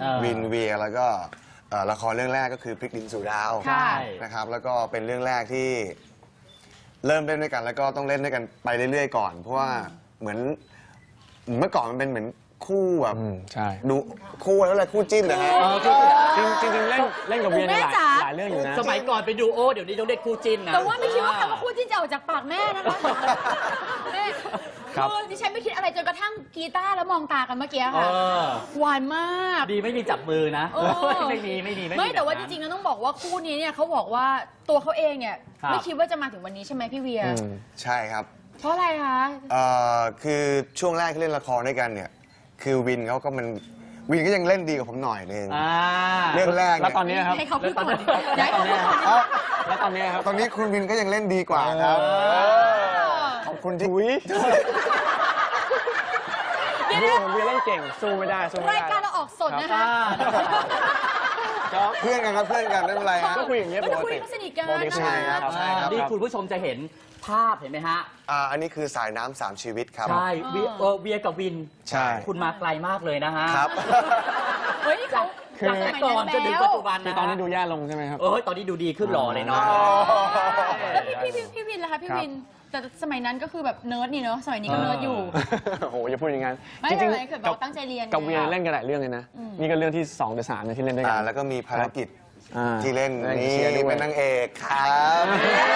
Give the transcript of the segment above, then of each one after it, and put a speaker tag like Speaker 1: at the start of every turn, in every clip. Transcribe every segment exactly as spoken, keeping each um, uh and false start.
Speaker 1: วินเวียแล้วก็ละครเรื่องแรกก็คือพริกดินสู่ดาวนะครับแล้วก็เป็นเรื่องแรกที่เริ่มเล่นด้วยกันแล้วก็ต้องเล่นด้วยกันไปเรื่อยๆก่อนเพราะว่าเหมือนเมื่อก่อนมันเป็นเหมือนคู่แบบ
Speaker 2: ใช่
Speaker 1: ดูคู่แล้วอะไรคู่จิ้นนะฮะ
Speaker 2: จริงจริงเล่นเล่นกับเวียในหลายหลายเรื่องอยู่นะ
Speaker 3: สมัยก่อนเป็นดูโอเดี๋ยวนี้ต้องเรียกคู่จิ้นนะ
Speaker 4: แต่ว่าไม่คิดว่าคำว่าคู่จิ้นจะออกจากปากแม่นะคะแม่คือดิฉันไม่คิดอะไรจนกระทั่งกีตาร์แล้วมองตากันเมื่อกี้ค่ะหวานมาก
Speaker 3: ดีไม่มีจับมือนะไม่มีไม่มี
Speaker 4: ไม่แต่ว่าจริงๆแล้วต้องบอกว่าคู่นี้เนี่ยเขาบอกว่าตัวเขาเองเนี่ยไม่คิดว่าจะมาถึงวันนี้ใช่ไหมพี่เวีย
Speaker 1: ใช่ครับ
Speaker 4: เพราะอะไรคะ
Speaker 1: เอ่อคือช่วงแรกที่เล่นละครด้วยกันเนี่ยคือวินเขาก็มันวินก็ยังเล่นดีกว่าผมหน่อยนึงเรื่องแรก
Speaker 2: แล้วตอนนี้ครับ
Speaker 4: ให้เขาพูดก่อน
Speaker 2: แล้วตอนนี้แล้วตอนนี้ครับ
Speaker 1: ตอนนี้คุณวินก็ยังเล่นดีกว่าครับขอบคุณที่
Speaker 2: เวียเวียเล่นเก่งสู้ไม่ได้สู้ไม่ได้
Speaker 4: รายการเราออกสดนะคะ
Speaker 1: เพื่อนกันครับเพื่อนกันไม่เป็นไร
Speaker 2: ก็คุยอย่างเงี้ยปกติ
Speaker 4: สนิทกัน
Speaker 1: ใช่ครับใช่ครับ
Speaker 3: นี่คุณผู้ชมจะเห็นภาพเห็นไหมฮะ
Speaker 1: อ่าอันนี้คือสายน้ำสามชีวิตครับ
Speaker 3: ใช่เวียกับวิน
Speaker 1: ใช่
Speaker 3: คุณมาไกลมากเลยนะฮะ
Speaker 1: ครับ
Speaker 4: เฮ้ยเขา
Speaker 3: จากสมัยก่อนจนถึงปัจจุบันนะ
Speaker 2: ตอนนี้ดูแย่ลงใช่ไหมครับ
Speaker 3: เออตอนนี้ดูดีขึ้นหล่อเลยเนาะ
Speaker 4: แล้วพี่พี่พี่วินล่ะคะพี่วินแต่สมัยนั้นก็คือแบบเนิร์ดนี่เนาะสมัยนี้ก็เนิร์ดอยู่
Speaker 2: โอ้โหอย่าพูดอย่างนั้น
Speaker 4: จริงๆกับตั้งใจเรียน
Speaker 2: กับเวียเล่นกันหลายเรื่องเลยนะนี่ก็เรื่องที่สองหรือสามที่เล่นด้วยกัน
Speaker 1: แล้วก็มีภารกิจที่เล่นนี่เป็นนางเอกครับ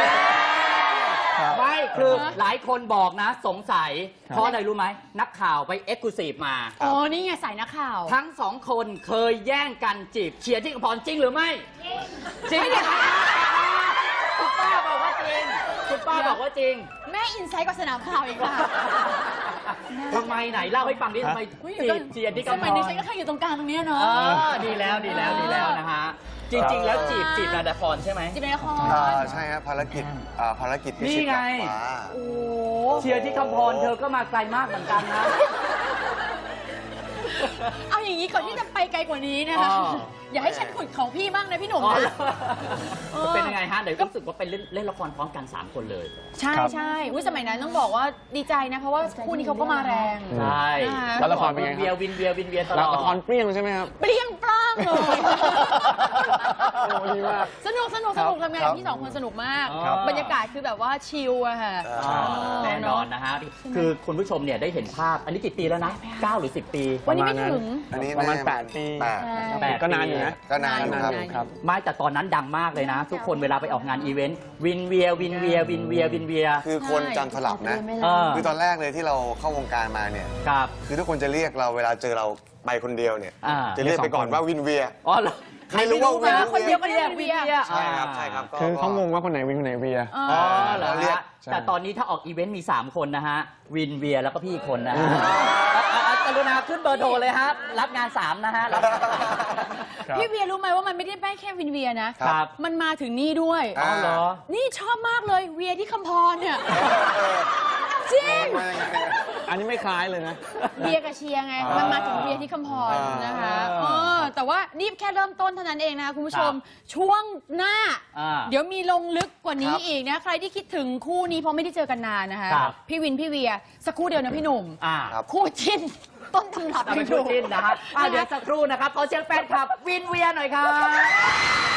Speaker 3: ไม่คือหลายคนบอกนะสงสัยเพราะอะไรรู้ไหมนักข่าวไปเอ็กซ์คลูซีฟมา
Speaker 4: อ๋อนี่ไงสายนักข่าว
Speaker 3: ทั้งสองคนเคยแย่งกันจีบเชียร์ที่กระพรจริงหรือไม่จริงคุณป้าบอกว่าจริงคุณป้าบอกว่าจริง
Speaker 4: แม่อินไซต์กว่าสนามข่าวอีกค่ะ
Speaker 3: ทำไมไหนเล่าให้ฟังดิทำไมจีบเชียร์ที่กระพร
Speaker 4: สมัยนี้ฉันก็แค่อยู่ตรงกลางตรงนี้เนาะ
Speaker 3: ดีแล้วดีแล้วดีแล้วนะฮะจริงๆแล้วจีบจีบในละครใช่ไหม
Speaker 4: จีบในละคร
Speaker 1: ใช่ครับภารกิจภารกิจ
Speaker 3: นี่ไง
Speaker 4: โอ้
Speaker 3: เชียร์ที่คำพรเธอก็มาไกลมากเหมือนกันนะ
Speaker 4: เอาอย่างนี้ก่อนที่จะไปไกลกว่านี้นะคะอย่าให้ฉันขุดของพี่บ้างนะพี่หนุ่ม
Speaker 3: เป็นยังไงฮะเดี๋ยวรู้สึกว่าเป็นเล่นละครพร้อมกันสามคนเลย
Speaker 4: ใช่ใช่สมัยนั้นต้องบอกว่าดีใจนะเพราะว่าคู่นี้เขาก็มาแรง
Speaker 3: ใช่
Speaker 2: แล้วละครเป็นไง
Speaker 3: เวียวินเวียวินเวียตลอด
Speaker 2: ละครเปรี้ยงใช่ไหมครับ
Speaker 4: เปรี้ยงปร้างเลย
Speaker 2: ดีมาก
Speaker 4: สนุกสนุกสนุกทำงานกับพี่สองคนสนุกมากบรรยากาศคือแบบว่าชิลอะค่ะ
Speaker 3: แน่นอนนะฮะคือคุณผู้ชมเนี่ยได้เห็นภาพอันนี้กี่ปีแล้วนะเก้าหรือสิบปี
Speaker 4: วันนี้ไม่ถึง
Speaker 1: อันนี้
Speaker 2: ประมาณแปดปี
Speaker 1: แปด
Speaker 2: ก็นานอยู่นะ
Speaker 1: ก็นาน
Speaker 3: ครับไม่แต่ตอนนั้นดังมากเลยนะทุกคนเวลาไปออกงานอีเวนต์วินเวียวินเวียวินเวียวินเวีย
Speaker 1: คือคนจำสลับนะคือตอนแรกเลยที่เราเข้าวงการมาเนี่ยคือทุกคนจะเรียกเราเวลาเจอเราไปคนเดียวเนี่ยจะเรียกไปก่อนว่าวินเวีย
Speaker 3: อ๋อ
Speaker 4: ไม่รู้ว่าวินคนเดียวก็เรียกวินเวีย
Speaker 1: ใช่ครับใช่ครับ
Speaker 2: คือเขางงว่าคนไหนวินคนไหนเวีย
Speaker 3: อ๋อเหรอแต่ตอนนี้ถ้าออกอีเวนต์มีสามคนนะฮะวินเวียแล้วก็พี่คนนะกรุณาขึ้นเบอร์โทรเลยครับรับงานสามนะฮะ
Speaker 4: พี่เวียรู้ไหมว่ามันไม่ได้แค่แค่วินเวียนะครับมันมาถึงนี่ด้วย
Speaker 3: อ๋อเหรอ
Speaker 4: นี่ชอบมากเลยเวียที่คำพรเนี่ยจริง
Speaker 2: อันนี้ไม่คล้ายเลยนะ
Speaker 4: เวียกับเชียร์ไงมันมาถึงเวียที่คำพรนะคะเออแต่ว่านี่แค่เริ่มต้นเท่านั้นเองนะคะคุณผู้ชมช่วงหน้าเดี๋ยวมีลงลึกกว่านี้อีกนะใครที่คิดถึงคู่นี้เพราะไม่ได้เจอกันนานนะคะพี่วินพี่เวียสักครู่เดียวนะพี่หนุ่มคู่จิ้นต้นตำรับ
Speaker 3: เป็นคู่จิ้นนะฮะเดี๋ยวสักครู่นะครับขอเชียร์แฟนคลับวินเวียหน่อยครับ